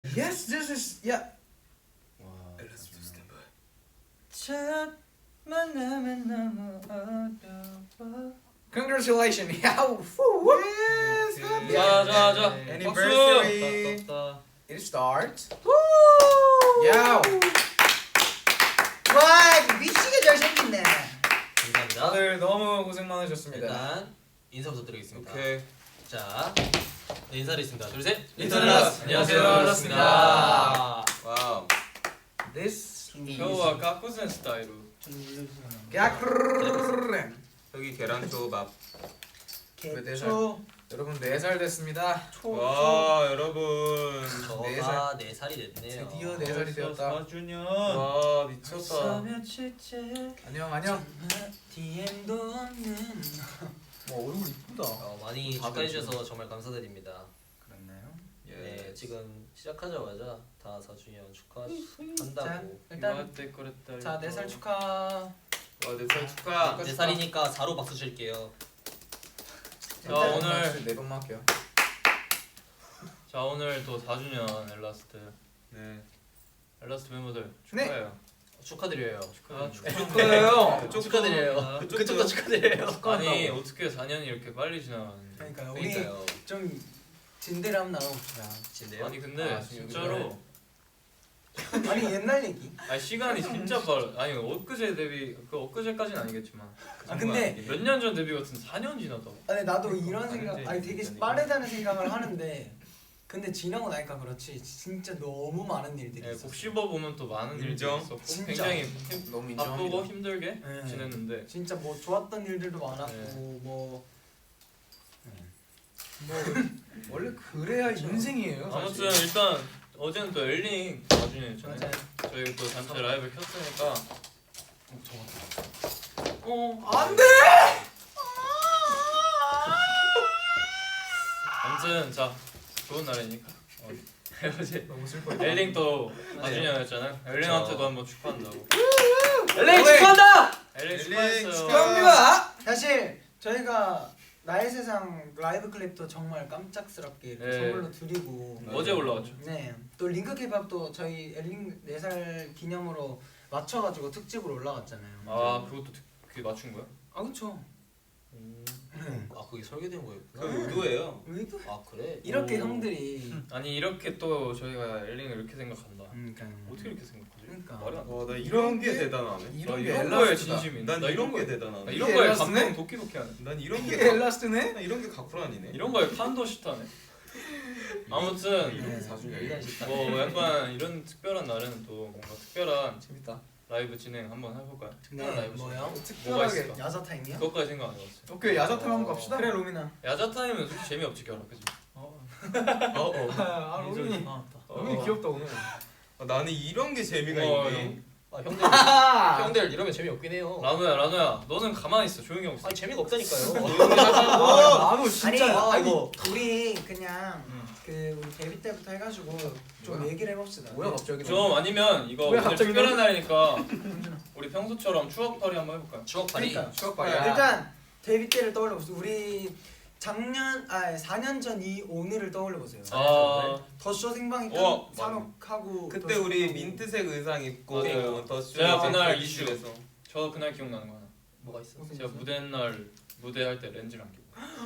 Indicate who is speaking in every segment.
Speaker 1: Yes, this is yeah.
Speaker 2: 와.
Speaker 1: 첫 만남은 너무 어려워. Congratulations. 야우. Yes.
Speaker 2: Okay.
Speaker 3: 자.
Speaker 2: Anniversary.
Speaker 1: It starts. 야우.
Speaker 4: 와 미치게 잘생겼네.
Speaker 3: 감사합니다.
Speaker 1: 다들 너무 고생 많으셨습니다.
Speaker 3: 일단 인사부터 드리겠습니다.
Speaker 2: 오케이.
Speaker 3: 자, 네, 인사드리겠습니다. 둘, 셋.
Speaker 1: 인사드리겠습니다.
Speaker 3: 안녕하세요.
Speaker 1: 인사드리겠습니다.
Speaker 2: 와우.
Speaker 1: This
Speaker 5: 今日はカクセンスタイル
Speaker 1: 야크르.
Speaker 2: 여기 계란초밥.
Speaker 4: 개초.
Speaker 1: 여러분 4살 됐습니다.
Speaker 2: 와 여러분.
Speaker 3: 저가 4살이 됐네요.
Speaker 1: 드디어 4살이 되었다.
Speaker 5: 4주년
Speaker 2: 와 미쳤다.
Speaker 1: 안녕.
Speaker 4: DM도 없는.
Speaker 1: 얼굴 이쁘다.
Speaker 3: 많이 축하해주셔서 정말 감사드립니다.
Speaker 4: 그렇나요?
Speaker 3: 네, 지금 시작하자마자 다 4주년 축하한다고.
Speaker 4: 일단
Speaker 5: 祝ってくれたり
Speaker 4: 자 4살 축하.
Speaker 2: 와 4살 축하.
Speaker 3: 4살이니까 4로 박수 칠게요.
Speaker 5: 자 오늘
Speaker 1: 4번만 할게요.
Speaker 5: 자 오늘 또 4주년 엘라스트
Speaker 2: 네.
Speaker 5: 엘라스트 멤버들 축하해요.
Speaker 3: 축하드려요.
Speaker 1: 축하해요.
Speaker 3: 축하드려요. 그쪽도 축하드려요.
Speaker 5: 아니 어떻게 4년이 이렇게 빨리 지나갔는지.
Speaker 4: 그러니까요. 우리
Speaker 3: 그러니까요.
Speaker 4: 좀 진대를 한번 나눠봅시다.
Speaker 3: 진짜요?
Speaker 5: 아니 근데 진짜로
Speaker 4: 아니 옛날 얘기.
Speaker 5: 아니 시간이 진짜 빨라. 아니 엊그제 데뷔 엊그제까지는 아니겠지만
Speaker 4: 아 근데
Speaker 5: 몇 년 전 데뷔 같은 4년 지났다고.
Speaker 4: 아니 나도 이런
Speaker 5: 아니,
Speaker 4: 생각.
Speaker 5: 근데
Speaker 4: 아니 되게
Speaker 5: 진짜
Speaker 4: 빠르다는 생각을 하는데 근데 지나고 나니까 그렇지 진짜 너무 많은 일들이
Speaker 5: 예,
Speaker 4: 있었어.
Speaker 5: 곡 씹어 보면 또 많은 일들이
Speaker 2: 인정.
Speaker 5: 있었고
Speaker 4: 진짜.
Speaker 5: 굉장히
Speaker 1: 너무
Speaker 5: 바쁘고
Speaker 1: 인정합니다.
Speaker 5: 힘들게
Speaker 4: 네.
Speaker 5: 지냈는데
Speaker 4: 진짜 뭐 좋았던 일들도 많았고
Speaker 5: 네.
Speaker 4: 뭐
Speaker 1: 원래 그래야 인생이에요. 사실.
Speaker 5: 아무튼 일단 어제는 또 엘링 4주년이잖아요.
Speaker 4: 맞아요.
Speaker 5: 저희 또 단체 라이브 켰으니까
Speaker 1: 안 돼.
Speaker 5: 아무튼 자 좋은 날이니까 어제
Speaker 1: 너무 슬퍼.
Speaker 5: 엘링 또 4주년이었잖아요. 엘링한테도 한번 축하한다고.
Speaker 3: 엘레이 축하한다!
Speaker 5: 엘링
Speaker 2: 엘링
Speaker 5: 축하했어요.
Speaker 1: 축하합니다.
Speaker 4: 사실 저희가 나의 세상 라이브 클립도 정말 깜짝스럽게 이렇게
Speaker 5: 네.
Speaker 4: 선물로 드리고
Speaker 5: 어제 올라왔죠.
Speaker 4: 네. 또 링크 케이팝도 저희 엘링 4살 기념으로 맞춰가지고 특집으로 올라갔잖아요.
Speaker 5: 아 그것도 그게 맞춘 거야?
Speaker 4: 아 그쵸.
Speaker 3: 아, 그게 설계된 거였구나.
Speaker 2: 그 의도예요.
Speaker 4: 의도?
Speaker 3: 아, 그래?
Speaker 4: 이렇게
Speaker 5: 오.
Speaker 4: 형들이
Speaker 5: 아니 이렇게 또 저희가 엘링을 이렇게 생각한다.
Speaker 4: 그러니까
Speaker 5: 어떻게 이렇게 생각하지?
Speaker 4: 그러니까.
Speaker 5: 말이 안 돼.
Speaker 2: 와나 이런 게 대단하네.
Speaker 1: 이런 게
Speaker 5: 이런 거에
Speaker 1: 엘라스트다.
Speaker 5: 진심이.
Speaker 2: 난
Speaker 5: 나
Speaker 2: 이런 게
Speaker 5: 거에
Speaker 2: 대단하네.
Speaker 5: 나 이런
Speaker 1: 이게
Speaker 5: 거에
Speaker 1: 엘라스트네?
Speaker 5: 감동 도끼도끼하네.
Speaker 2: 난 이런 게
Speaker 1: 이게 엘라스트네?
Speaker 2: 나 이런 게 가쿠란이네.
Speaker 5: 이런 거에 판도 시타네. 아무튼
Speaker 2: 이런 게
Speaker 4: 네.
Speaker 2: 4주년.
Speaker 5: 뭐 약간 이런 특별한 날에는 또 뭔가 특별한
Speaker 1: 재밌다.
Speaker 5: 라이브 진행 한번 해볼까요? 특별한
Speaker 4: 네,
Speaker 5: 라이브
Speaker 4: 뭐요?
Speaker 5: 뭐가
Speaker 1: 특별하게.
Speaker 5: 있을까?
Speaker 4: 야자 타임이요?
Speaker 5: 그것까지 생각 안 해봤어요.
Speaker 1: 오케이 야자타임 한번 갑시다.
Speaker 4: 그래 로미나.
Speaker 5: 야자 타임은 솔직히 재미없지 결혼 그지?
Speaker 1: 아 로민이. 로민이 귀엽다 오늘.
Speaker 2: 나는 이런 게 재미가
Speaker 5: 어,
Speaker 2: 있네.
Speaker 3: 아, 형들, 형들 이러면 재미없긴 해요.
Speaker 5: 라노야 너는 가만히 있어 조용히 하고 있어.
Speaker 3: 아니, 재미가 없다니까요.
Speaker 1: 나도 진짜.
Speaker 4: 아니
Speaker 3: 이거.
Speaker 4: 우리 그냥 그 우리 데뷔 때부터 해가지고 좀
Speaker 1: 뭐야?
Speaker 4: 얘기를 해봅시다.
Speaker 1: 뭐야 갑자기?
Speaker 5: 좀 아니면 이거
Speaker 1: 왜
Speaker 5: 오늘
Speaker 1: 갑자기
Speaker 5: 특별한 날이니까 우리 평소처럼 추억팔이 한번 해볼까요?
Speaker 3: 추억팔이.
Speaker 4: 그러니까.
Speaker 1: 추억팔이야.
Speaker 4: 일단 데뷔 때를 떠올려보세요. 우리 작년 4년 전 이 오늘을 떠올려보세요.
Speaker 5: 아
Speaker 4: 더쇼 생방이
Speaker 2: 어,
Speaker 4: 산옥하고
Speaker 2: 그때 우리 민트색 의상 입고
Speaker 5: 맞아요.
Speaker 2: 더
Speaker 5: 제가 그날
Speaker 2: 이슈에서
Speaker 5: 저 그날 기억나는 거 하나.
Speaker 3: 뭐가 있어?
Speaker 5: 제가 무대 날 무대 할 때 렌즈랑 끼고.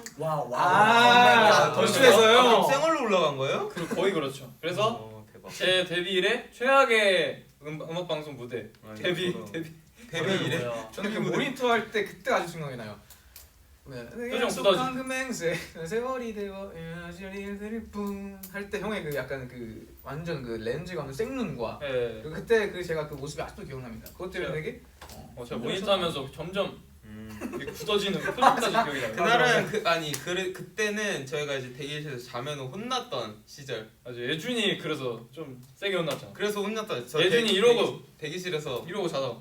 Speaker 1: 아, 더쇼에서요?
Speaker 2: 생얼로 올라간 거예요?
Speaker 5: 거의 그렇죠. 그래서
Speaker 2: 대박.
Speaker 5: 제 데뷔 이래 최악의 음악 방송 무대
Speaker 2: 아니,
Speaker 5: 데뷔
Speaker 2: 저도.
Speaker 5: 데뷔
Speaker 2: 데뷔 이래.
Speaker 5: 뭐야.
Speaker 1: 저는 그 모니터 할 때 그때 아주 생각이 나요. 네.
Speaker 5: 표정
Speaker 1: 약속한 그 맹세 세월이 되어 일들이 뿜할 때 형의 그 약간 그 완전 그 렌즈가 없는 생눈과
Speaker 5: 예.
Speaker 1: 그리고 그때 그 제가 그 모습이 아직도 기억납니다. 그것 때문에 되게
Speaker 5: 제가 모니터 하면서 점점 이렇게 굳어지는 표정까지 기억이 나요.
Speaker 2: 그날은 그때는 저희가 이제 대기실에서 자면 혼났던 시절.
Speaker 5: 맞아 예준이 그래서 좀 세게 혼났잖아.
Speaker 2: 그래서 혼났던.
Speaker 5: 예준이 이러고
Speaker 2: 대기실에서
Speaker 5: 이러고 자다가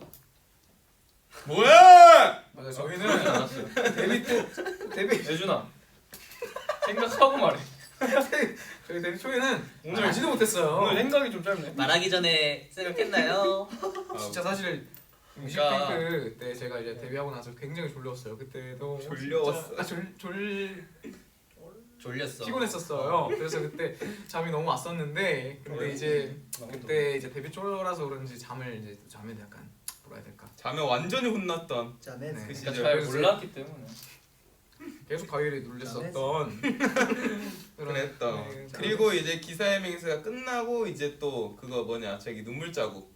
Speaker 2: 뭐야?
Speaker 1: 맞아요. 저희는
Speaker 5: 알았어요.
Speaker 1: 데뷔
Speaker 5: 예준아 생각하고 말해.
Speaker 1: 저희 데뷔 초에는
Speaker 5: 오늘
Speaker 1: 알지도 못했어요.
Speaker 5: 오늘 생각이 좀 짧네.
Speaker 3: 말하기 전에 생각했나요?
Speaker 1: 진짜 사실
Speaker 5: 그러니까-
Speaker 1: 뮤직뱅크 때 제가 이제 데뷔하고 나서 굉장히 졸려웠어요. 그때도
Speaker 2: 졸려웠어?
Speaker 1: 진짜-
Speaker 3: 졸렸어.
Speaker 1: 피곤했었어요. 그래서 그때 잠이 너무 왔었는데 근데 이제 그때 이제 데뷔 초라서 그런지 잠을 이제 잠에 약간 뭐라 해야 될까?
Speaker 2: 잠에 완전히 혼났던
Speaker 4: 자, 네.
Speaker 1: 네.
Speaker 2: 그
Speaker 5: 진짜
Speaker 2: 시절.
Speaker 5: 잘
Speaker 1: 그래서
Speaker 5: 몰랐기 때문에.
Speaker 1: 계속 가위를 눌렸었던 그런-
Speaker 2: 그랬던.
Speaker 1: 네,
Speaker 2: 그리고 이제 기사해명세가 끝나고 이제 또 그거 뭐냐 저기 눈물 자국.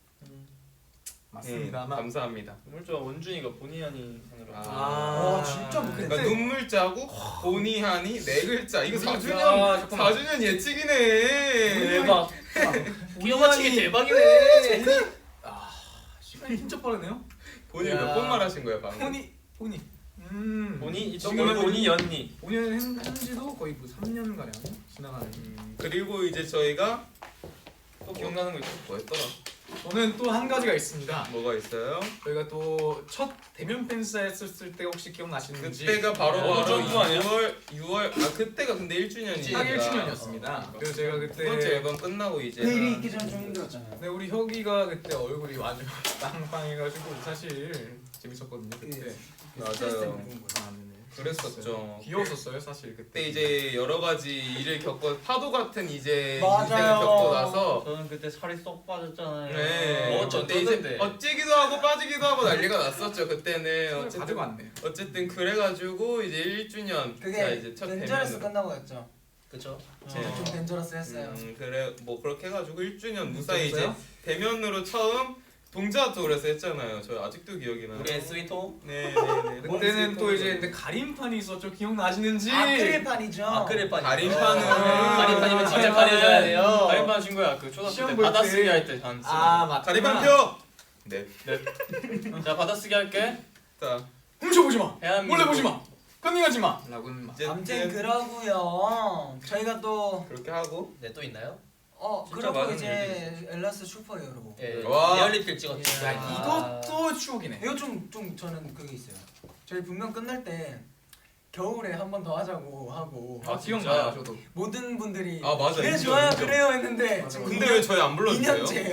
Speaker 1: 맞습니다. 아마
Speaker 2: 감사합니다.
Speaker 5: 물자 원준이가 본의 아니 하느라.
Speaker 4: 와, 진짜
Speaker 2: 그러니까
Speaker 4: 그때
Speaker 2: 눈물 자국, 보니 하니 네 글자. 이거
Speaker 1: 아,
Speaker 2: 4주년
Speaker 1: 잠깐만.
Speaker 2: 4주년 예측이네.
Speaker 5: 대박.
Speaker 3: 끼워 맞추기 대박이네.
Speaker 1: 아 시간이 진짜 빠르네요.
Speaker 2: 본인
Speaker 1: 야.
Speaker 2: 몇 번 말하신 거예요 방금?
Speaker 1: 본이
Speaker 5: 본이
Speaker 1: 너무
Speaker 5: 지금 본이 연니.
Speaker 1: 본인은 한지도 거의 뭐 3년 가량 지나가는.
Speaker 2: 그리고 이제 저희가
Speaker 5: 또 기억나는 거 있어?
Speaker 2: 뭐였더라?
Speaker 1: 저는 또 한 가지가 있습니다.
Speaker 2: 뭐가 있어요?
Speaker 1: 저희가 또 첫 대면 팬사 했었을 때 혹시 기억나시는지?
Speaker 2: 그때가 바로
Speaker 5: 어, 점프 아니야?
Speaker 2: 6월 아 그때가 근데 1주년이니까
Speaker 1: 딱 1주년이었습니다. 그래서 제가
Speaker 2: 두 번째
Speaker 1: 그때
Speaker 2: 앨범 끝나고 이제
Speaker 4: 내일이 있기 전에 좀 힘들었잖아요.
Speaker 1: 네, 우리 혁이가 그때 얼굴이 완전 빵빵해가지고 사실 재밌었거든요 그때.
Speaker 2: 맞아요.
Speaker 4: 스트레스 때문에 그런 거예요.
Speaker 1: 아, 네네.
Speaker 2: 그랬었죠.
Speaker 1: 귀여웠었어요 사실 그때.
Speaker 2: 그때 이제 여러 가지 일을 겪고 파도 같은 이제
Speaker 4: 맞아요.
Speaker 2: 인생을 겪고 나서
Speaker 3: 저는 그때 살이 쏙 빠졌잖아요.
Speaker 2: 네.
Speaker 5: 뭐
Speaker 2: 근데 이제
Speaker 5: 어쩌던데.
Speaker 2: 어찌기도 하고 빠지기도 하고 난리가 났었죠 그때는.
Speaker 1: 가지고
Speaker 2: 어쨌든
Speaker 1: 왔네.
Speaker 2: 어쨌든 그래가지고 이제 1주년
Speaker 4: 그게
Speaker 2: 이제 첫
Speaker 4: 덴저러스
Speaker 2: 대면으로.
Speaker 4: 끝나고 했죠.
Speaker 3: 그쵸?
Speaker 4: 제가 좀 덴저러스 했어요.
Speaker 2: 그래 뭐 그렇게 해가지고 1주년 무사히 이제
Speaker 1: 재밌어요?
Speaker 2: 대면으로 처음 동자 투어에서 했잖아요. 저 아직도 기억이 나요.
Speaker 3: 우리의 스위트홈?
Speaker 2: 네네네.
Speaker 1: 그때는 또 이제 근데 가림판이 있었죠. 기억나시는지?
Speaker 4: 아크릴판이죠.
Speaker 3: 아크릴판.
Speaker 2: 가림판은
Speaker 3: 가림판이면 진짜 가려줘야 돼요.
Speaker 5: 가림판 친구야. 그 초등학교
Speaker 1: 시험
Speaker 5: 때
Speaker 1: 볼 때.
Speaker 5: 받아쓰기 할 때 한.
Speaker 1: 아 맞다.
Speaker 2: 가림판 표. 네.
Speaker 5: 자 받아쓰기 할게.
Speaker 2: 자
Speaker 1: 훔쳐보지 마.
Speaker 5: 대한민국.
Speaker 1: 몰래 보지 마. 컨닝하지 마. 라고는 막.
Speaker 2: 이제
Speaker 4: 아무튼 그러고요. 저희가 또
Speaker 2: 그렇게 하고
Speaker 3: 네, 또 있나요?
Speaker 2: 진짜
Speaker 4: 그러고
Speaker 2: 많은
Speaker 4: 이제 엘라스 슈퍼히어로.
Speaker 3: 예.
Speaker 2: 와.
Speaker 3: 리얼리티를 찍었죠.
Speaker 1: 야 이것도 추억이네.
Speaker 4: 이거 좀 저는 그게 있어요. 저희 분명 끝날 때 겨울에 한 번 더 하자고 하고
Speaker 1: 아
Speaker 5: 진짜?
Speaker 1: 기억나요 저도.
Speaker 4: 모든 분들이
Speaker 2: 아, 맞아.
Speaker 4: 그래
Speaker 2: 인정,
Speaker 4: 좋아요
Speaker 2: 인정.
Speaker 4: 그래요 했는데
Speaker 1: 맞아,
Speaker 4: 지금
Speaker 2: 근데 왜 저희 안 불러주세요?
Speaker 4: 2년째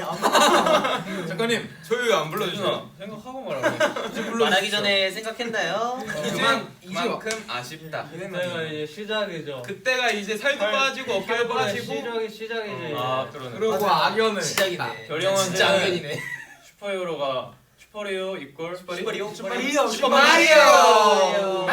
Speaker 1: 작가님
Speaker 2: 저희 왜 안 불러주세요?
Speaker 5: 유준아 생각하고 말하고.
Speaker 3: 말하기 전에 생각했나요?
Speaker 2: 그만큼 아쉽다.
Speaker 3: 그때가 이제 시작이죠.
Speaker 2: 그때가 이제 살도 빠지고 어깨도 빠지고
Speaker 3: 시작이지.
Speaker 5: 아 그러네.
Speaker 1: 그러고 악연을.
Speaker 3: 시작이네.
Speaker 5: 별이 형한테
Speaker 3: 진짜 악연이네.
Speaker 5: 슈퍼히어로가 슈퍼히어로 이퀄
Speaker 3: 슈퍼리오?
Speaker 4: 슈퍼리오
Speaker 2: 슈퍼마리오!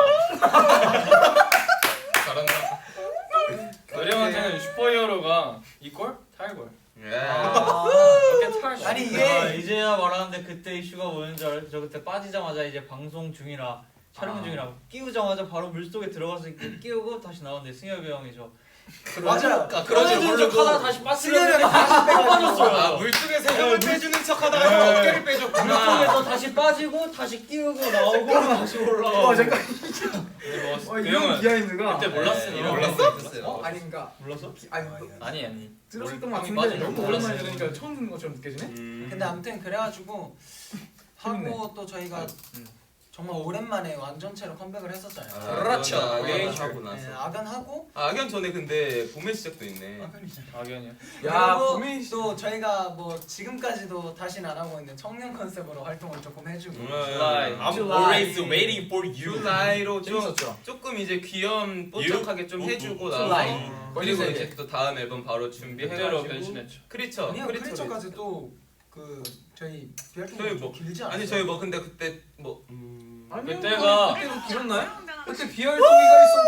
Speaker 2: 잘한다.
Speaker 5: 별이 형한테는 슈퍼히어로가 이퀄 탈골.
Speaker 2: 예.
Speaker 5: 어깨 탈.
Speaker 4: 아니
Speaker 3: 아,
Speaker 4: 이게
Speaker 3: 이제야 말하는데 그때 이슈가 뭐였는지 알아요? 저 그때 빠지자마자 이제 방송 중이라 촬영 중이라 끼우자마자 바로 물속에 들어가서 이렇게 끼우고 다시 나오는데 승엽이 형이 저
Speaker 4: 맞아요.
Speaker 3: 그러지 모르고 하다 다시 빠지려는데 다시 빠졌어요.
Speaker 2: 아 물속에서 형을 빼주는 척하다가 어깨를 빼줬구나.
Speaker 3: 물속에서 다시 빠지고 다시 끼우고 나오고 다시 올라가고.
Speaker 1: 잠깐.
Speaker 5: 그
Speaker 1: 이런
Speaker 5: 형은
Speaker 1: 비하인드가.
Speaker 5: 그때 몰랐어.
Speaker 3: 이런
Speaker 2: 몰랐어?
Speaker 3: 거 있었어요.
Speaker 1: 아닌가.
Speaker 5: 몰랐어?
Speaker 1: 아니
Speaker 5: 아니.
Speaker 1: 들었던 것
Speaker 5: 형이
Speaker 1: 같은데
Speaker 5: 빠지는
Speaker 1: 너무
Speaker 5: 거
Speaker 1: 오랜만에
Speaker 5: 몰랐어요.
Speaker 1: 들으니까 처음 듣는 것처럼 느껴지네.
Speaker 4: 근데 아무튼 그래가지고
Speaker 1: 재밌네.
Speaker 4: 하고 또 저희가 정말 오랜만에 완전체로 컴백을 했었잖아요.
Speaker 3: 그렇죠.
Speaker 2: 악연 하고
Speaker 4: 네,
Speaker 2: 나서.
Speaker 4: 악연 하고
Speaker 2: 악연 전에 근데 봄의 시작도 있네.
Speaker 4: 악연이죠.
Speaker 5: 악연이야.
Speaker 1: 야
Speaker 4: 그리고
Speaker 1: 봄이
Speaker 4: 또 저희가 뭐 지금까지도 다시는 안 하고 있는 청년 컨셉으로 활동을 조금 해주고
Speaker 5: July.
Speaker 3: I'm
Speaker 4: July.
Speaker 3: always waiting for you.
Speaker 2: 줄라이로 좀
Speaker 1: 재밌었죠.
Speaker 2: 조금 이제 귀염 뽀짝하게 좀 해주고
Speaker 4: July.
Speaker 2: 나서 그리고
Speaker 1: 거기서
Speaker 2: 이제 또 다음 앨범 바로
Speaker 5: 그때로
Speaker 2: 준비해가지고
Speaker 5: 변신했죠.
Speaker 2: 크리처
Speaker 4: 아니요
Speaker 2: 크리처를
Speaker 4: 크리처까지 또 그 저희
Speaker 2: 저희
Speaker 4: 비활동이
Speaker 2: 뭐-
Speaker 4: 길지 않아요?
Speaker 2: 아니 저희 뭐 근데 그때 뭐
Speaker 1: 아니요,
Speaker 5: 그때가-
Speaker 1: 그때도 길었나요? 그때 비활동이가 있었.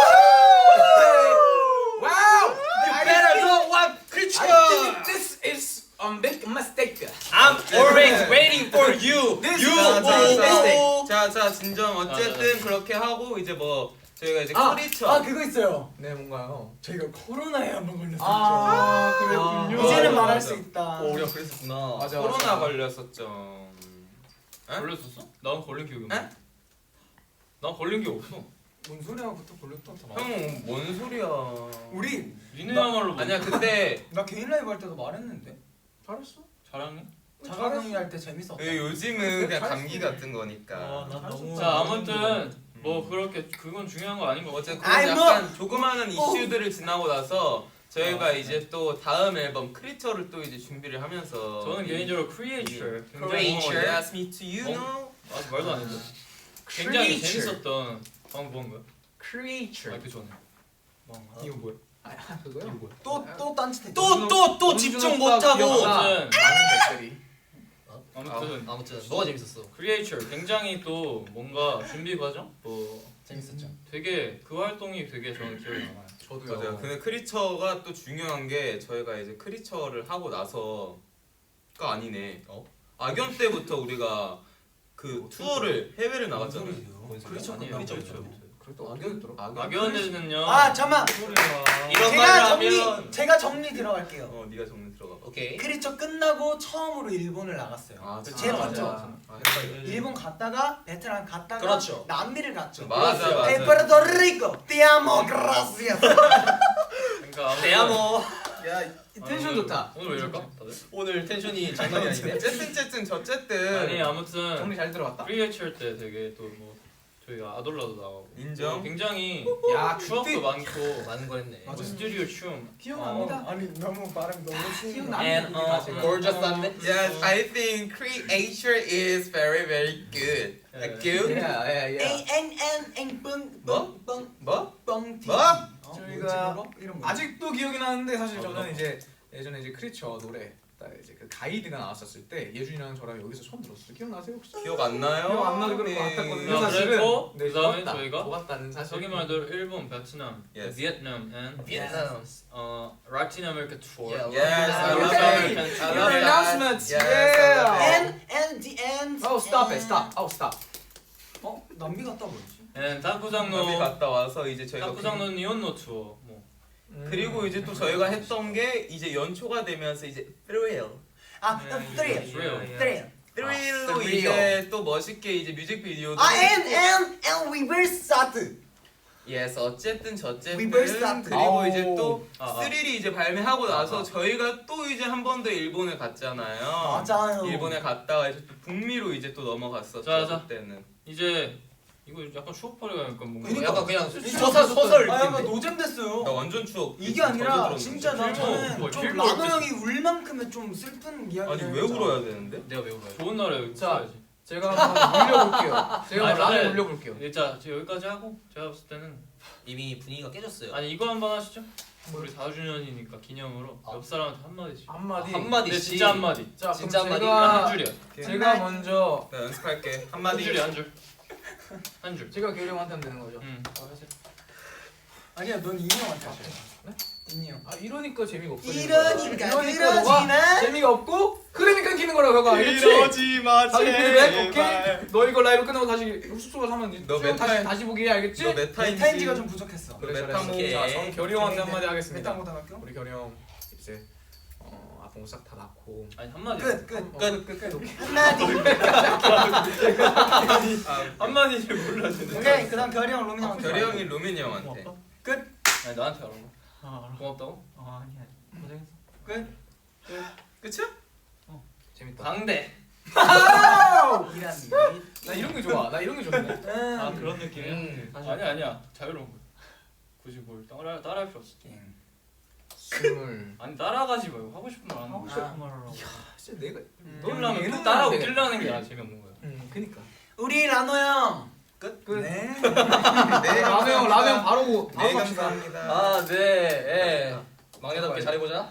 Speaker 1: 와우!
Speaker 3: You better know what creature.
Speaker 1: I think this is a big mistake.
Speaker 3: I'm always waiting for you.
Speaker 1: This
Speaker 3: You.
Speaker 1: is a big mistake.
Speaker 2: 자자 진정 어쨌든 그렇게 하고 이제 뭐 저희가 이제
Speaker 4: 아
Speaker 2: 크리처
Speaker 4: 그거 있어요.
Speaker 1: 네 뭔가요?
Speaker 4: 저희가 코로나에 한번 걸렸었죠.
Speaker 1: 아 그랬군요.
Speaker 4: 이제는
Speaker 2: 맞아,
Speaker 4: 말할
Speaker 2: 맞아.
Speaker 4: 수 있다.
Speaker 3: 우리가 그랬었구나.
Speaker 1: 맞아.
Speaker 2: 코로나 걸렸었죠. 에?
Speaker 5: 걸렸었어? 난 걸린 기억이 없네.
Speaker 2: 에?
Speaker 5: 난 걸린 게 없어.
Speaker 4: 뭔 소리야부터 걸렸다.
Speaker 2: 형 뭔 소리야?
Speaker 4: 우리
Speaker 5: 니네야말로 뭐
Speaker 2: 아니야 그때
Speaker 4: 나 개인 라이브 할 때도 말했는데
Speaker 1: 잘했어.
Speaker 5: 잘하네.
Speaker 4: 자가격리 할 때 재밌었다.
Speaker 2: 요즘은 그냥 감기 같은 거니까.
Speaker 3: 난 너무.
Speaker 5: 자 아무튼 뭐 그렇게 그건 중요한 거 아닌 것 같아.
Speaker 2: 어쨌든
Speaker 4: 아이,
Speaker 2: 그런
Speaker 4: 뭐.
Speaker 2: 약간 조그마한 이슈들을 지나고 나서 저희가 이제 또 다음 앨범 크리처를 또 이제 준비를 하면서
Speaker 5: 저는 개인적으로 크리에이처 굉장히
Speaker 3: Creature.
Speaker 2: Yes, me to you know.
Speaker 5: 아직 말도 안 했어. 굉장히
Speaker 1: Creature.
Speaker 5: 재밌었던 방금 본 거야.
Speaker 1: Creature.
Speaker 5: 그 전에.
Speaker 3: 뭔가.
Speaker 1: 이거 뭐야? 아 그거요?
Speaker 5: 뭐야?
Speaker 4: 또 딴짓해.
Speaker 3: 또 집중 못하고.
Speaker 1: 많은 댓글이.
Speaker 5: 아무튼 뭐가 재밌었어?
Speaker 2: 크리에이처 굉장히 또 뭔가 준비 과정 뭐
Speaker 5: 재밌었죠.
Speaker 2: 되게 그 활동이 되게 저는 기억에 남아요.
Speaker 1: 저도요.
Speaker 2: 맞아요. 근데 크리처가 또 중요한 게 저희가 이제 크리처를 하고 나서가 아니네. 악연 때부터 우리가 그 투어를 해외를 나갔잖아요.
Speaker 4: 그렇죠.
Speaker 2: 아니에요.
Speaker 4: 그렇죠.
Speaker 1: 그래도 악연이
Speaker 2: 악연에는요.
Speaker 4: 아 잠만.
Speaker 2: 이런 말을 하면
Speaker 4: 제가 정리 들어갈게요.
Speaker 2: 네가 정리 들어가.
Speaker 5: 오케이.
Speaker 4: 크리처 끝나고 처음으로 일본을 나갔어요.
Speaker 2: 아,
Speaker 4: 제일
Speaker 2: 맞아.
Speaker 4: 먼저. 일본 갔다가 베트남 갔다가
Speaker 5: 그렇죠.
Speaker 4: 남미를 갔죠.
Speaker 2: 맞아.
Speaker 4: 페르토리코, 티아모 그라시아스.
Speaker 2: 그러니까
Speaker 5: 대야모.
Speaker 1: 야 텐션 좋다.
Speaker 2: 오늘 왜 이럴까? 다들?
Speaker 5: 오늘 텐션이 장난이 아니네.
Speaker 2: 어쨌든 저쨌든 아니 아무튼
Speaker 1: 정리 잘 들어갔다.
Speaker 2: 크리에이처 때 되게 또 뭐 저희가 아돌라도 나가고 인정. 굉장히
Speaker 1: 야
Speaker 2: 추억도
Speaker 1: 그때
Speaker 2: 많고
Speaker 5: 많은 거 했네.
Speaker 2: 뭐 스튜디오 춤
Speaker 1: 기억납니다.
Speaker 4: 아니 너무 발음 너무
Speaker 1: 기억납니다.
Speaker 5: gorgeous한데?
Speaker 2: Yes, I think creature is very good. Good? 뭐? 뭐?
Speaker 4: 뻥티.
Speaker 2: 뭐?
Speaker 1: 저희가
Speaker 4: 이런 거.
Speaker 1: 아직도 기억이 나는데 사실 저는 이제 예전에 이제 크리처 노래 딱 이제 그 가이드가 나왔었을 때 예준이랑 저랑 여기서 처음 들었어요. 기억나세요 혹시?
Speaker 2: 기억 안 나요?
Speaker 1: 기억 안 나도 그런 거 같았거든요.
Speaker 2: 야,
Speaker 1: 사실은.
Speaker 2: 그래서
Speaker 1: 네,
Speaker 2: 그다음에
Speaker 1: 좋았다.
Speaker 2: 저희가
Speaker 1: 좋았다는 사실.
Speaker 2: 저기 말대로 일본, 베트남, Yes. 베트남, and
Speaker 5: 베트남.
Speaker 2: 라틴 아메리카 투어.
Speaker 5: Yeah.
Speaker 2: Yes, I love
Speaker 1: Okay.
Speaker 2: American
Speaker 1: Your
Speaker 2: tour.
Speaker 1: announcements.
Speaker 2: Yes,
Speaker 1: Yeah.
Speaker 2: I love it.
Speaker 4: And the end.
Speaker 1: Oh stop it, stop. Oh stop.
Speaker 4: 남미 갔다 뭐였지?
Speaker 2: And
Speaker 1: 어.
Speaker 2: 타쿠장노
Speaker 1: 네,
Speaker 2: 그
Speaker 1: 갔다
Speaker 2: 와서 이제 저희가
Speaker 1: 타쿠장노
Speaker 2: 니온노 투어. 뭐.
Speaker 1: 그리고 이제 또 저희가 했던 게 이제 연초가 되면서 이제 thrill.
Speaker 4: thrill.
Speaker 1: thrill로
Speaker 2: thrill.
Speaker 1: 이제 또 멋있게 이제 뮤직비디오도
Speaker 4: and we will start.
Speaker 1: yes 어쨌든 저쨌든
Speaker 4: We will start.
Speaker 1: 그리고
Speaker 4: 아오.
Speaker 1: 이제 또
Speaker 2: 아.
Speaker 1: 스릴이 이제 발매하고 나서 저희가 또 이제 한 번 더 일본에 갔잖아요.
Speaker 4: 맞아요.
Speaker 1: 일본에 갔다가 이제 또 북미로 이제 또 넘어갔었죠.
Speaker 2: 자.
Speaker 1: 그때는.
Speaker 2: 이제 이거 약간 추억팔이가 약간 뭔가
Speaker 4: 그러니까.
Speaker 5: 약간 그냥
Speaker 4: 소설
Speaker 5: 소설
Speaker 4: 아 약간
Speaker 5: 느낌인데.
Speaker 4: 노잼
Speaker 1: 나
Speaker 4: 됐어요.
Speaker 1: 완전 추억.
Speaker 4: 이게
Speaker 1: 던져
Speaker 4: 아니라
Speaker 1: 들었는데.
Speaker 4: 진짜
Speaker 2: 필모,
Speaker 4: 저는
Speaker 2: 뭐
Speaker 4: 좀
Speaker 2: 필모
Speaker 4: 라노
Speaker 2: 어땠어?
Speaker 4: 형이 울 만큼의 좀 슬픈 이야기를
Speaker 1: 아니 왜
Speaker 4: 했잖아.
Speaker 1: 울어야 되는데?
Speaker 5: 내가 왜 울어요?
Speaker 2: 좋은 날에
Speaker 1: 자.
Speaker 2: 써야지.
Speaker 1: 제가 한번 올려볼게요. 제가
Speaker 2: 아니,
Speaker 1: 라면
Speaker 2: 저는-
Speaker 1: 올려볼게요.
Speaker 2: 자, 여기까지 하고 제가 봤을 때는
Speaker 5: 이미 분위기가 깨졌어요.
Speaker 2: 아니 이거 한번 하시죠. 우리 4주년이니까 기념으로 옆 사람한테 한마디씩.
Speaker 1: 한마디.
Speaker 5: 한 마디씩.
Speaker 2: 근데 진짜 한마디.
Speaker 1: 자,
Speaker 5: 진짜
Speaker 1: 그럼
Speaker 5: 한마디?
Speaker 1: 제가
Speaker 2: 한 줄이야.
Speaker 1: 제가 먼저
Speaker 2: 나 연습할게.
Speaker 1: 한마디.
Speaker 2: 한 줄이야 한 줄. 한 줄.
Speaker 1: 제가 교리 형한테 하면 되는 거죠.
Speaker 2: 응.
Speaker 4: 아니야 넌 이니 형한테 하자. 이니 형.
Speaker 1: 아 이러니까 재미가 없어.
Speaker 4: 이러니까
Speaker 1: 너가
Speaker 4: 그러지만
Speaker 1: 재미가 없고 그러니까 끼는 거라고 너가 알겠지?
Speaker 2: 마
Speaker 1: 자기 피드백 오케이. 너 이거 라이브 끝나고 다시 숙소 가서 하면
Speaker 2: 너
Speaker 1: 수영
Speaker 2: 메타-
Speaker 1: 다시 다시 보기 알겠지?
Speaker 2: 너 메타인지.
Speaker 4: 타임지가 좀 부족했어.
Speaker 1: 그래
Speaker 2: 메타모.
Speaker 1: 잘했어. 자, 저는 결이 형한테 한마디 하겠습니다.
Speaker 4: 메타고등학교.
Speaker 1: 우리 결이 형 이제 아픈 거 싹 다 낳고
Speaker 2: 아니 한마디.
Speaker 4: 끝.
Speaker 1: 오케이.
Speaker 4: 한마디.
Speaker 2: 한마디를 몰라주네.
Speaker 4: 오케이 그다음 결이 형 로민 형한테.
Speaker 2: 결이 형이 루민이 형한테.
Speaker 4: 끝.
Speaker 2: 아니 나한테 하라고.
Speaker 3: 아 알아.
Speaker 2: 고맙다고?
Speaker 3: 아니야. 고생했어.
Speaker 4: 끝.
Speaker 2: 끝이야?
Speaker 1: 재밌다.
Speaker 2: 강대.
Speaker 4: 이란이.
Speaker 1: 나 이런 게 좋아. 나 이런 게 좋네.
Speaker 3: 아 그런 느낌이야? 사실
Speaker 2: 아니야 자유로운 거야. 굳이 뭘 따라할 필요 없어.
Speaker 1: 스물.
Speaker 2: 아니 따라가지 말고 하고 싶은 말 하는
Speaker 3: 하고
Speaker 2: 거.
Speaker 3: 싶은 말 하라고.
Speaker 1: 진짜 내가
Speaker 2: 놀라면
Speaker 1: 얘는
Speaker 2: 또 따라하고
Speaker 1: 되겠다.
Speaker 2: 끼려는 게 재미없는 거야.
Speaker 1: 그니까.
Speaker 4: 우리 라노 형.
Speaker 1: 끝.
Speaker 4: 네.
Speaker 2: 네,
Speaker 1: 라면 라면 바로
Speaker 2: 네
Speaker 1: 갑시다.
Speaker 2: 감사합니다.
Speaker 5: 아 네. 예. 막내답게 잘해보자.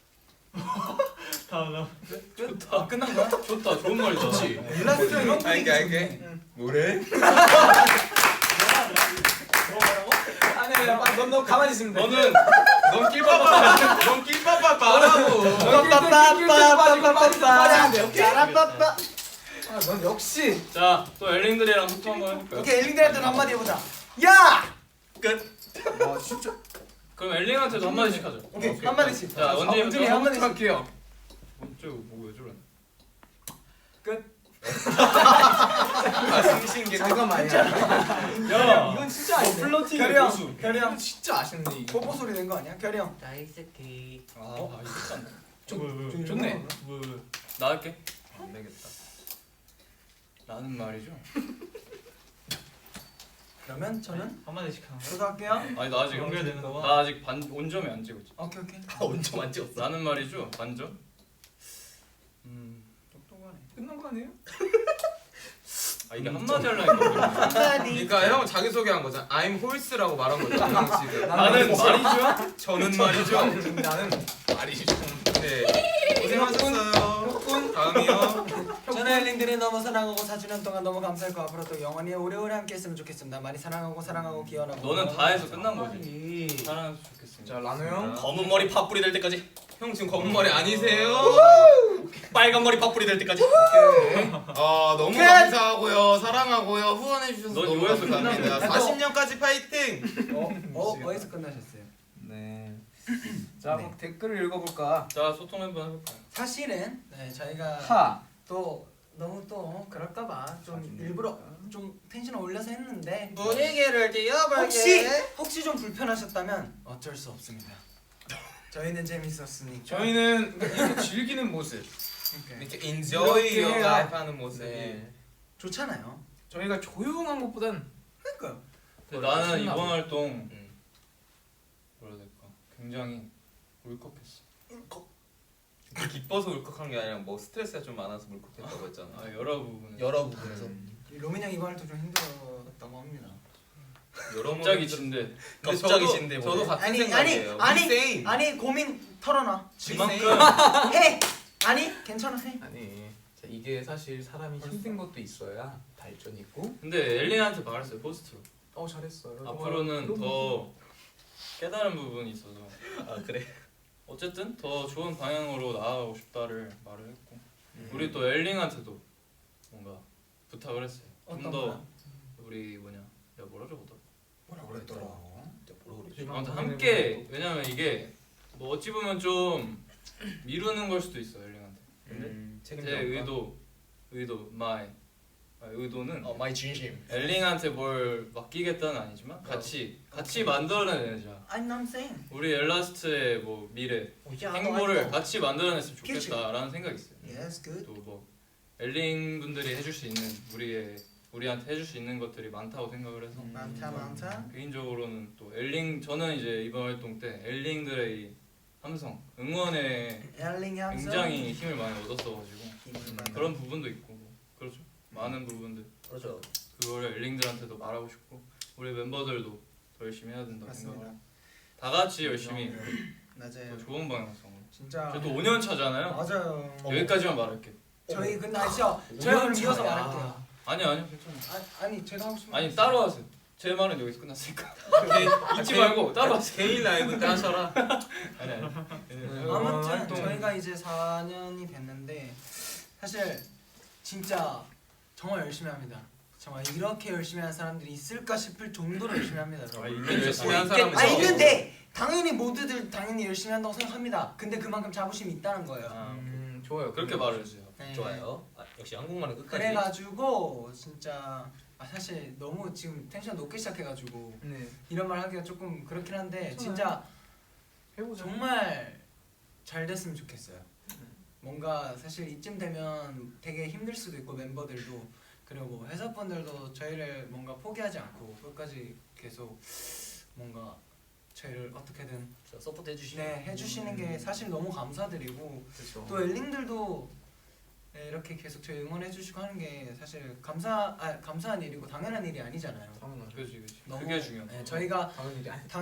Speaker 3: 다음
Speaker 2: 좋다.
Speaker 4: 끝난 거야?
Speaker 2: 좋다. 좋은 말이다. 좋지.
Speaker 4: 일라스 이런 분위기
Speaker 2: 알게.
Speaker 4: 좋네.
Speaker 2: 뭐래?
Speaker 1: 아니야, 넌 가만히 있으면 돼.
Speaker 2: 넌 낄빠빠 말하고.
Speaker 4: 짜라빠빠.
Speaker 1: 넌 역시.
Speaker 2: 자, 또 엘링들이랑 소통 한번 해볼까요?
Speaker 4: 오케이 엘링들한테 한마디 해보자. 야.
Speaker 1: 와 진짜.
Speaker 2: 그럼 엘링한테도 한마디씩 하자.
Speaker 4: 오케이 한마디씩.
Speaker 2: 자,
Speaker 4: 원준이
Speaker 2: 원준이
Speaker 4: 한마디씩.
Speaker 1: 할게요.
Speaker 2: 먼저 뭐왜 저래?
Speaker 1: 승신기. 잠깐만.
Speaker 2: 야,
Speaker 1: 이건 진짜 아닌데.
Speaker 2: 플러팅의
Speaker 4: 결이 형.
Speaker 2: 고수.
Speaker 4: 결이 형.
Speaker 1: 이건 진짜 아쉽네. 이거.
Speaker 4: 뽀뽀 소리 낸 거 아니야? 결이 형.
Speaker 5: 다이스키.
Speaker 2: 아, 이거
Speaker 1: 좀 좋네.
Speaker 2: 나 할게.
Speaker 1: 안 되겠다.
Speaker 2: 나는 말이죠.
Speaker 4: 그러면 저는
Speaker 3: 한마디씩 하는 거야?
Speaker 4: 저도 할게요.
Speaker 2: 아니 나 아직
Speaker 3: 연결되는 거야?
Speaker 2: 나 아직 온점에 안 찍었지.
Speaker 4: 오케이.
Speaker 5: 온점 안 찍었어.
Speaker 2: 나는 말이죠. 반점.
Speaker 4: 똑똑하네.
Speaker 1: 끝난 거 아니에요?
Speaker 5: 아 이게 한마디 하려니까
Speaker 4: 한마디.
Speaker 2: 그러니까 형 자기 소개한 거잖아. I'm horse라고 말한 거죠. 형 지금.
Speaker 5: 나는 말이죠.
Speaker 2: 저는 말이죠.
Speaker 1: 나는 말이죠.
Speaker 2: 네. 고생하셨어요. 다음이요.
Speaker 4: 저는 엘링들이 너무 사랑하고 4주년 동안 너무 감사했고 앞으로도 영원히 오래오래 함께했으면 좋겠습니다. 많이 사랑하고 기원하고.
Speaker 5: 너는 다 해서 끝난 거지. 사랑해서 좋겠습니다.
Speaker 1: 자 라노 형.
Speaker 5: 검은 머리 팥뿌리 될 때까지.
Speaker 2: 형 지금 검은 머리 아니세요?
Speaker 5: 빨간 머리 팥뿌리 될 때까지.
Speaker 2: 너무 감사하고요. 사랑하고요. 후원해 주셔서
Speaker 5: 넌
Speaker 2: 너무
Speaker 5: 요에서
Speaker 2: 감사합니다.
Speaker 4: 끝났네.
Speaker 2: 40년까지 파이팅.
Speaker 4: 어디서 끝나셨어요?
Speaker 1: 네. 자
Speaker 4: 네.
Speaker 1: 그럼 댓글을 읽어볼까?
Speaker 5: 자 소통 한번 해볼까요?
Speaker 4: 사실은 저희가
Speaker 1: 하.
Speaker 4: 또 너무 또 그럴까봐 좀 일부러 좀 텐션을 올려서 했는데
Speaker 2: 분위기를
Speaker 4: 혹시 좀 불편하셨다면 어쩔 수 없습니다. 저희는 재밌었으니까.
Speaker 1: 저희는 이렇게 즐기는 모습.
Speaker 4: 그러니까
Speaker 2: 이렇게 enjoy
Speaker 1: 이렇게
Speaker 2: your
Speaker 1: 해야-
Speaker 2: life 하는 모습이
Speaker 1: 네.
Speaker 4: 좋잖아요.
Speaker 1: 저희가 조용한 것보단
Speaker 4: 그러니까
Speaker 5: 근데 나는
Speaker 1: 신나고.
Speaker 5: 이번 활동 뭐라 해야 될까? 굉장히 울컥했어.
Speaker 2: 기뻐서 울컥한 게 아니라 뭐 스트레스가 좀 많아서 울컥했다고 했잖아.
Speaker 5: 아 여러 부분에.
Speaker 6: 여러 부분에서
Speaker 4: 로민 형 이번 활동 좀 힘들었다고 합니다.
Speaker 2: 여러
Speaker 5: 갑자기 진데.
Speaker 2: 근데
Speaker 6: 갑자기
Speaker 2: 저도-
Speaker 6: 진데 뭐.
Speaker 2: 저도 같은
Speaker 4: 아니
Speaker 2: 생각이에요.
Speaker 4: 아니
Speaker 2: We same.
Speaker 4: 아니 고민 털어놔.
Speaker 5: 그만큼
Speaker 4: 해. 아니 괜찮아 해.
Speaker 1: 아니 자, 이게 사실 사람이 힘든 것도 있어야 발전이 있고.
Speaker 5: 근데 엘린한테 말했어요 포스트로.
Speaker 1: 잘했어요.
Speaker 5: 앞으로는
Speaker 1: 그럼
Speaker 5: 더 깨달은 부분이 있어서
Speaker 6: 아 그래.
Speaker 5: 어쨌든 더 좋은 방향으로 나아가고 싶다를 말을 했고 우리 또 엘링한테도 뭔가 부탁을 했어요. 좀
Speaker 4: 어떤
Speaker 5: 더
Speaker 4: 거요?
Speaker 5: 우리 뭐냐 야 뭐라 적었더라.
Speaker 6: 뭐라 그랬더라. 진짜 뭐라 그랬지?
Speaker 5: 아무튼 함께 왜냐면 이게 뭐 어찌 보면 좀 미루는 걸 수도 있어 엘링한테. 근데 제 의도 의도는
Speaker 6: 마이 진심.
Speaker 5: 엘링한테 뭘 맡기겠다는 아니지만 같이 만들어내자.
Speaker 4: I'm saying.
Speaker 5: 우리 엘라스트의 뭐 미래 행보를 같이 만들어냈으면 좋겠다라는 생각이 있어요.
Speaker 4: Yes, good.
Speaker 5: 또 뭐 엘링 분들이 해줄 수 있는 우리한테 해줄 수 있는 것들이 많다고 생각을 해서
Speaker 4: 많다.
Speaker 5: 개인적으로는 또 저는 이제 이번 활동 때 엘링들의 이 함성 응원에
Speaker 4: 엘링 향수.
Speaker 5: 굉장히 힘을 많이 얻었어가지고
Speaker 4: 힘을 많이
Speaker 5: 그런 부분도 있고 뭐 그렇죠. 많은 부분들
Speaker 6: 그렇죠.
Speaker 5: 그거를 엘링들한테도 말하고 싶고 우리 멤버들도 더 열심히 해야 된다고 생각을
Speaker 4: 맞습니다.
Speaker 5: 해요. 다 같이 열심히
Speaker 4: 맞아요.
Speaker 5: 더 좋은 방향으로.
Speaker 4: 진짜.
Speaker 5: 저도 5년 차잖아요.
Speaker 4: 맞아요.
Speaker 5: 여기까지만 말할게.
Speaker 4: 저희 근데 아시죠? 저희 오늘 이어서
Speaker 1: 차야.
Speaker 4: 말할게요.
Speaker 5: 아니요 괜찮아요.
Speaker 4: 아니 제가 하고 싶은
Speaker 5: 아니 따로 하세요. 제 말은 여기서 끝났으니까. 잊지
Speaker 2: 개인-
Speaker 5: 말고 따로 하세요.
Speaker 2: 개인 라이브 때 하셔라.
Speaker 5: 아니.
Speaker 4: 아무튼
Speaker 1: 활동.
Speaker 4: 저희가 이제 4년이 됐는데 사실 진짜 정말 열심히 합니다. 정말 이렇게 열심히 하는 사람들이 있을까 싶을 정도로 열심히 합니다. 여러분.
Speaker 2: 열심히 한 사람은
Speaker 4: 있는데 당연히 모두들 당연히 열심히 한다고 생각합니다. 근데 그만큼 자부심이 있다는 거예요.
Speaker 1: 좋아요.
Speaker 5: 그렇게 말을 해주세요.
Speaker 4: 네.
Speaker 6: 좋아요. 역시 한국말은 끝까지.
Speaker 4: 그래가지고 진짜 사실 너무 지금 텐션 높게 시작해가지고
Speaker 1: 네.
Speaker 4: 이런 말 하기가 조금 그렇긴 한데
Speaker 1: 괜찮아요.
Speaker 4: 진짜
Speaker 1: 해보자.
Speaker 4: 정말 잘 됐으면 좋겠어요. 뭔가 사실 이쯤 되면 되게 힘들 수도 있고 멤버들도 그리고 회사분들도 저희를 뭔가 포기하지 않고 끝까지 계속 뭔가 저희를 어떻게든
Speaker 6: 서포트 해주시면.
Speaker 4: 네 해주시는 게 사실 너무 감사드리고
Speaker 1: 그렇죠.
Speaker 4: 또 엘링들도 네, 이렇게 계속 저희 응원해주시고 하는 게 사실 감사한 일이고 당연한 일이 아니잖아요.
Speaker 1: 당연하죠.
Speaker 5: 그렇지.
Speaker 4: 너무,
Speaker 5: 그게 중요해.
Speaker 4: 네, 저희가
Speaker 1: 당연 일이 아니죠.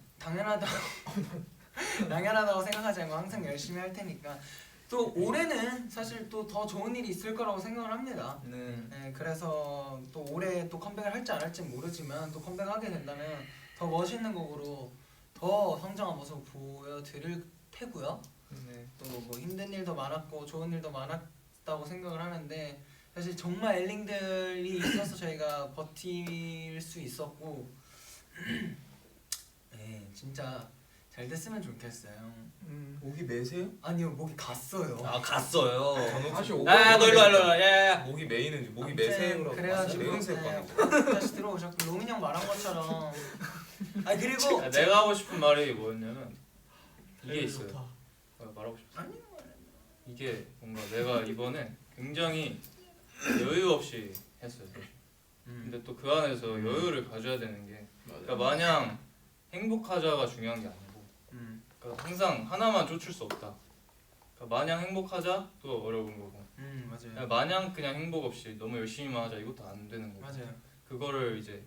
Speaker 4: 당연하다고 생각하지 않고 항상 열심히 할 테니까 또 올해는 사실 또 더 좋은 일이 있을 거라고 생각을 합니다. 네, 그래서 또 올해 또 컴백을 할지 안 할지 모르지만 또 컴백하게 된다면 더 멋있는 곡으로 더 성장한 모습 보여드릴 테고요.
Speaker 1: 네.
Speaker 4: 또 뭐 힘든 일도 많았고 좋은 일도 많았다고 생각을 하는데 사실 정말 엘링들이 있어서 저희가 버틸 수 있었고 네 진짜 잘 됐으면 좋겠어요.
Speaker 2: 목이 매세요?
Speaker 4: 아니요 목이 갔어요.
Speaker 6: 아 갔어요.
Speaker 1: 다시 오고.
Speaker 6: 너 일로 와. 야야야.
Speaker 2: 목이 메이는지 목이
Speaker 4: 아무튼
Speaker 2: 매세요라고.
Speaker 4: 그래가지고
Speaker 2: 매운새일 거
Speaker 4: 네,
Speaker 2: 아니야.
Speaker 4: 다시 들어오셨고 로민 형 말한 것처럼 아 그리고
Speaker 5: 내가 하고 싶은 말이 뭐였냐면 이게 있어요. 말하고 싶어.
Speaker 4: 아니요.
Speaker 5: 이게 뭔가 내가 이번에 굉장히 여유 없이 했어요. 근데 또 그 안에서 여유를 가져야 되는 게 그러니까 마냥 행복하자가 중요한 게 아니고 그러니까 항상 하나만 쫓을 수 없다. 그러니까 마냥 행복하자 또 어려운 거고
Speaker 4: 맞아요.
Speaker 5: 마냥 그냥 행복 없이 너무 열심히만 하자 이것도 안 되는 거고
Speaker 4: 맞아요.
Speaker 5: 그거를 이제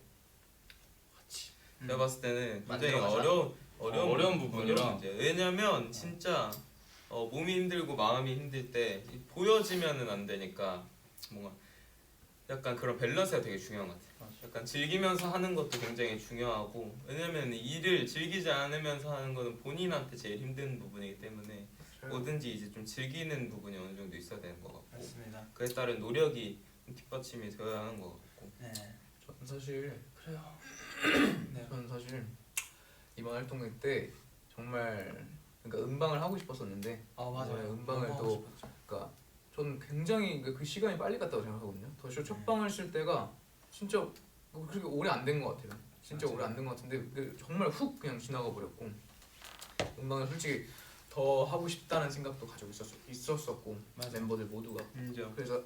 Speaker 5: 같이
Speaker 2: 제가 봤을 때는 굉장히
Speaker 6: 만들어가자.
Speaker 5: 어려운 부분이라.
Speaker 2: 문제. 왜냐면 진짜 몸이 힘들고 마음이 힘들 때 보여지면은 안 되니까 뭔가 약간 그런 밸런스가 되게 중요한 것 같아요. 약간 즐기면서 하는 것도 굉장히 중요하고 왜냐면 일을 즐기지 않으면서 하는 거는 본인한테 제일 힘든 부분이기 때문에 뭐든지 이제 좀 즐기는 부분이 어느 정도 있어야 되는 것 같고
Speaker 4: 맞습니다.
Speaker 2: 그에 따른 노력이 뒷받침이 되어야 하는 것 같고
Speaker 4: 네.
Speaker 1: 저는 사실
Speaker 5: 그래요.
Speaker 4: 네.
Speaker 1: 저는 사실 이번 활동회 때 정말 그러니까 음방을 하고 싶었었는데
Speaker 4: 맞아요.
Speaker 1: 네, 음방을
Speaker 4: 너무
Speaker 1: 또
Speaker 4: 하고 싶었죠.
Speaker 1: 그러니까 저는 굉장히 그 시간이 빨리 갔다고 생각하거든요. 더쇼 첫 방을 쉴 때가 진짜 그렇게 오래 안 된 것 같아요. 진짜
Speaker 4: 맞아요.
Speaker 1: 오래 안 된 것 같은데 정말 훅 그냥 지나가 버렸고 음방을 솔직히 더 하고 싶다는 생각도 가지고 있었었고
Speaker 4: 맞아요.
Speaker 1: 멤버들 모두가
Speaker 2: 인정.
Speaker 1: 그래서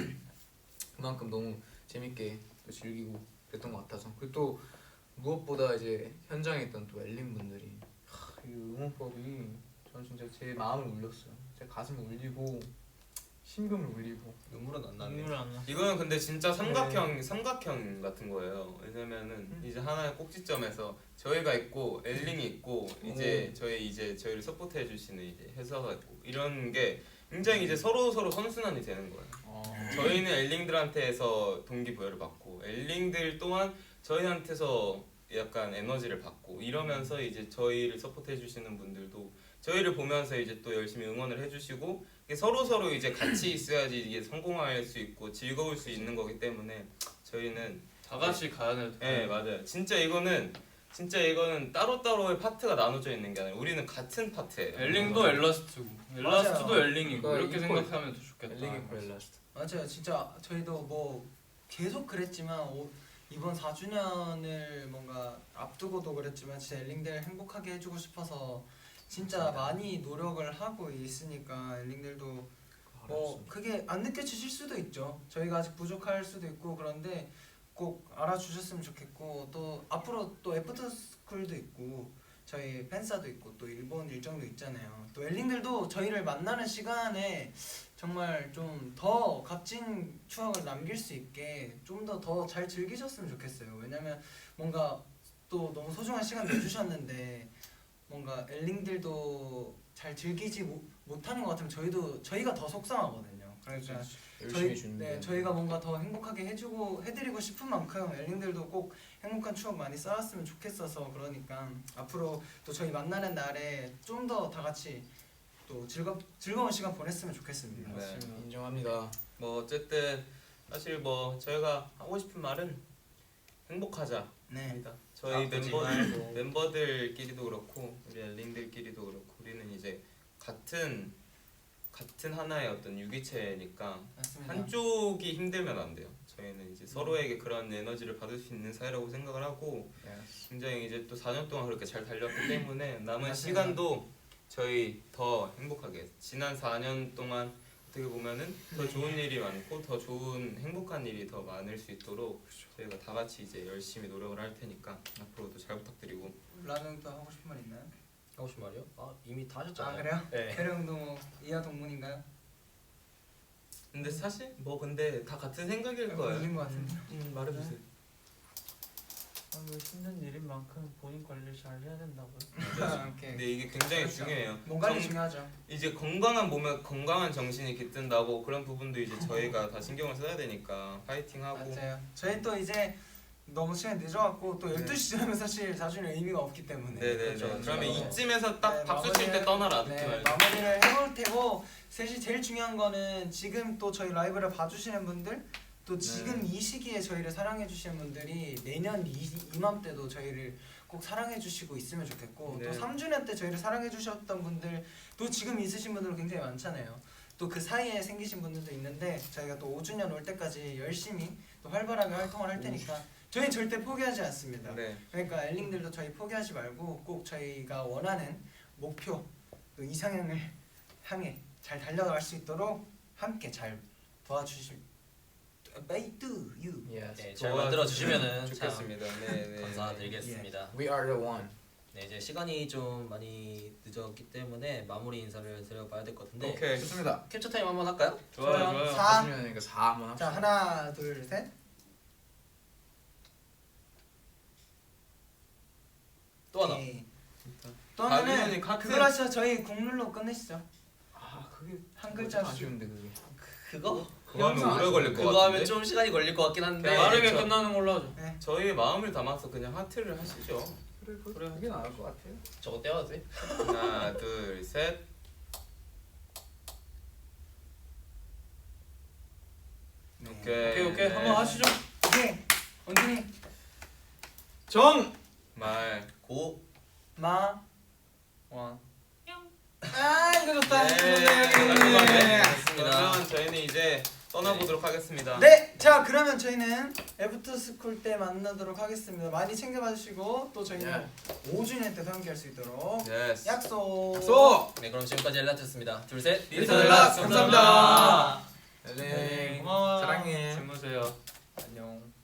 Speaker 1: 그만큼 너무 재밌게 또 즐기고 그랬던 것 같아서 그리고 또 무엇보다 이제 현장에 있던 또 엘린 분들이 이 응원법이 저는 진짜 제 마음을 울렸어요. 제 가슴을 울리고 심금을 울리고
Speaker 6: 눈물은 안 나네.
Speaker 3: 눈물 안 나.
Speaker 2: 이거는 근데 진짜 삼각형 같은 거예요. 왜냐면은 이제 하나의 꼭지점에서 저희가 있고 엘링이 있고 이제 저희를 서포트해 주시는 이제 회사가 있고 이런 게 굉장히 이제 서로 선순환이 되는 거예요. 저희는 엘링들한테서 동기부여를 받고 엘링들 또한 저희한테서 약간 에너지를 받고 이러면서 이제 저희를 서포트해 주시는 분들도 저희를 보면서 이제 또 열심히 응원을 해주시고 서로 이제 같이 있어야지 이게 성공할 수 있고 즐거울 수 있는 거기 때문에 저희는
Speaker 5: 다 같이 가야 될
Speaker 2: 네 맞아요. 진짜 이거는 따로따로의 파트가 나눠져 있는 게 아니라 우리는 같은 파트예요.
Speaker 5: 엘링도 엘라스트고 엘라스트도
Speaker 4: 맞아요.
Speaker 5: 엘링이고
Speaker 1: 그러니까
Speaker 5: 이렇게
Speaker 1: 이퀄.
Speaker 5: 생각하면 더 좋겠다.
Speaker 1: 엘링이 브렐라스트
Speaker 4: 맞아요. 진짜 저희도 뭐 계속 그랬지만 이번 4주년을 뭔가 앞두고도 그랬지만 진짜 엘링들 행복하게 해주고 싶어서 진짜 많이 노력을 하고 있으니까 엘링들도 뭐 그게 안 느껴지실 수도 있죠. 저희가 아직 부족할 수도 있고 그런데 꼭 알아주셨으면 좋겠고 또 앞으로 또 애프터스쿨도 있고 저희 팬사도 있고 또 일본 일정도 있잖아요. 또 엘링들도 저희를 만나는 시간에 정말 좀 더 값진 추억을 남길 수 있게 좀 더 잘 즐기셨으면 좋겠어요. 왜냐면 뭔가 또 너무 소중한 시간 내주셨는데 뭔가 엘링들도 잘 즐기지 못하는 것 같으면 저희가 더 속상하거든요. 그러니까
Speaker 1: 열심히 준비
Speaker 4: 저희가 뭔가 더 행복하게 해드리고 싶은 만큼 엘링들도 꼭 행복한 추억 많이 쌓았으면 좋겠어서 그러니까 앞으로 또 저희 만나는 날에 좀 더 다 같이 또 즐거운 시간 보냈으면 좋겠습니다.
Speaker 2: 네.
Speaker 1: 인정합니다.
Speaker 2: 뭐 어쨌든 사실 뭐 저희가 하고 싶은 말은 행복하자.
Speaker 4: 네.
Speaker 2: 입니다. 저희 멤버들끼리도 그렇고 우리 엘링들끼리도 그렇고 우리는 이제 같은 하나의 어떤 유기체니까
Speaker 4: 맞습니다.
Speaker 2: 한쪽이 힘들면 안 돼요. 저희는 이제 서로에게 그런 에너지를 받을 수 있는 사이라고 생각을 하고 굉장히 이제 또 4년 동안 그렇게 잘 달렸기 때문에 남은
Speaker 4: 맞습니다.
Speaker 2: 시간도 저희 더 행복하게 지난 4년 동안 어떻게 보면은 더 좋은 일이 많고 더 좋은 행복한 일이 더 많을 수 있도록 저희가 다 같이 이제 열심히 노력을 할 테니까 앞으로도 잘 부탁드리고
Speaker 4: 라면도 하고 싶은 말 있나요?
Speaker 6: 하고 싶은 말이요? 이미 다 하셨잖아요.
Speaker 4: 아 그래요?
Speaker 6: 네.
Speaker 4: 캐령도 뭐 이하 동문인가요?
Speaker 2: 근데 사실 뭐 근데 다 같은 생각일 거예요.
Speaker 4: 걸린 것 같은데.
Speaker 2: 말해주세요.
Speaker 3: 뭐 힘든 일인 만큼 본인 관리 잘 해야 된다고요.
Speaker 4: 오케이.
Speaker 2: 근데 이게 굉장히
Speaker 4: 그렇죠.
Speaker 2: 중요해요.
Speaker 4: 몸 관리 중요하죠.
Speaker 2: 이제 건강한 몸에 건강한 정신이 깃든다고 그런 부분도 이제 저희가 다 신경을 써야 되니까 파이팅하고
Speaker 4: 맞아요. 저희 또 이제 너무 시간 늦어갖고 또 12시 지나면 사실 4주년 의미가 없기 때문에.
Speaker 2: 네네네.
Speaker 4: 그렇죠.
Speaker 2: 그러면
Speaker 4: 네.
Speaker 2: 이쯤에서 딱
Speaker 4: 네,
Speaker 2: 박수 칠 때 떠나라 느낌
Speaker 4: 네,
Speaker 2: 알죠?
Speaker 4: 마무리를 해볼 테고 셋이 제일 중요한 거는 지금 또 저희 라이브를 봐주시는 분들 또 지금 이 시기에 저희를 사랑해주시는 분들이 내년 이맘때도 저희를 꼭 사랑해주시고 있으면 좋겠고
Speaker 2: 네.
Speaker 4: 또 3주년 때 저희를 사랑해주셨던 분들 또 지금 있으신 분들은 굉장히 많잖아요. 또 그 사이에 생기신 분들도 있는데 저희가 또 5주년 올 때까지 열심히 또 활발하게 활동을 할 테니까 저희는 절대 포기하지 않습니다.
Speaker 2: 네.
Speaker 4: 그러니까 엘링들도 저희 포기하지 말고 꼭 저희가 원하는 목표 또 이상향을 향해 잘 달려갈 수 있도록 함께 잘 도와주실 베이뚜 유.
Speaker 6: 네, 잘 만들어 주시면은
Speaker 2: 좋겠습니다. 네, 네.
Speaker 6: 감사드리겠습니다.
Speaker 1: We are the one.
Speaker 6: 네, 이제 시간이 좀 많이 늦었기 때문에 마무리 인사를 드려봐야 될 것 같은데
Speaker 2: 오케이.
Speaker 1: 좋습니다.
Speaker 6: 캡처 타임 한번 할까요?
Speaker 5: 좋아요.
Speaker 4: 4.
Speaker 1: 40년이니까 4 한번 합시다.
Speaker 4: 자 하나 둘 셋.
Speaker 6: 또 하나.
Speaker 4: 오케이. 또 하나는
Speaker 2: 가빈이 카트.
Speaker 4: 그걸 하시죠. 저희 국룰로 끝내시죠.
Speaker 1: 아 그게
Speaker 4: 한 글자씩.
Speaker 1: 아쉬운데 그게.
Speaker 6: 그거?
Speaker 2: 그거 하면 오래 걸릴 것
Speaker 6: 그거
Speaker 2: 같은데.
Speaker 6: 하면 좀 시간이 걸릴 것 같긴 한데
Speaker 5: 빠르게
Speaker 6: 저-
Speaker 5: 끝나는 걸로 하죠.
Speaker 2: 저희 마음을 담아서 그냥 하트를 하시죠.
Speaker 1: 그래 하긴 나을 것 같아요.
Speaker 6: 저거 떼어도 돼?
Speaker 2: 하나, 둘, 셋. 오케이.
Speaker 5: 오케이 한번 하시죠.
Speaker 4: 오케이. 원준이
Speaker 1: 정.
Speaker 2: 말.
Speaker 6: 고
Speaker 4: 마.
Speaker 5: 와.
Speaker 4: 아 이거 좋다.
Speaker 2: 네.
Speaker 4: 네.
Speaker 2: 그러면 저희는 이제 떠나보도록 하겠습니다.
Speaker 4: 네, 자 그러면 저희는 애프터 스쿨 때 만나도록 하겠습니다. 많이 챙겨봐 주시고 또 저희는 5주년 때도 함께할 수 있도록
Speaker 2: 예스.
Speaker 4: 약속.
Speaker 1: 소.
Speaker 6: 네 그럼 지금까지 엘라트였습니다. 둘 셋.
Speaker 1: 리턴 락스 감사합니다.
Speaker 4: 네.
Speaker 1: 네.
Speaker 5: 고마워요.
Speaker 1: 사랑해.
Speaker 5: 주무세요. 안녕.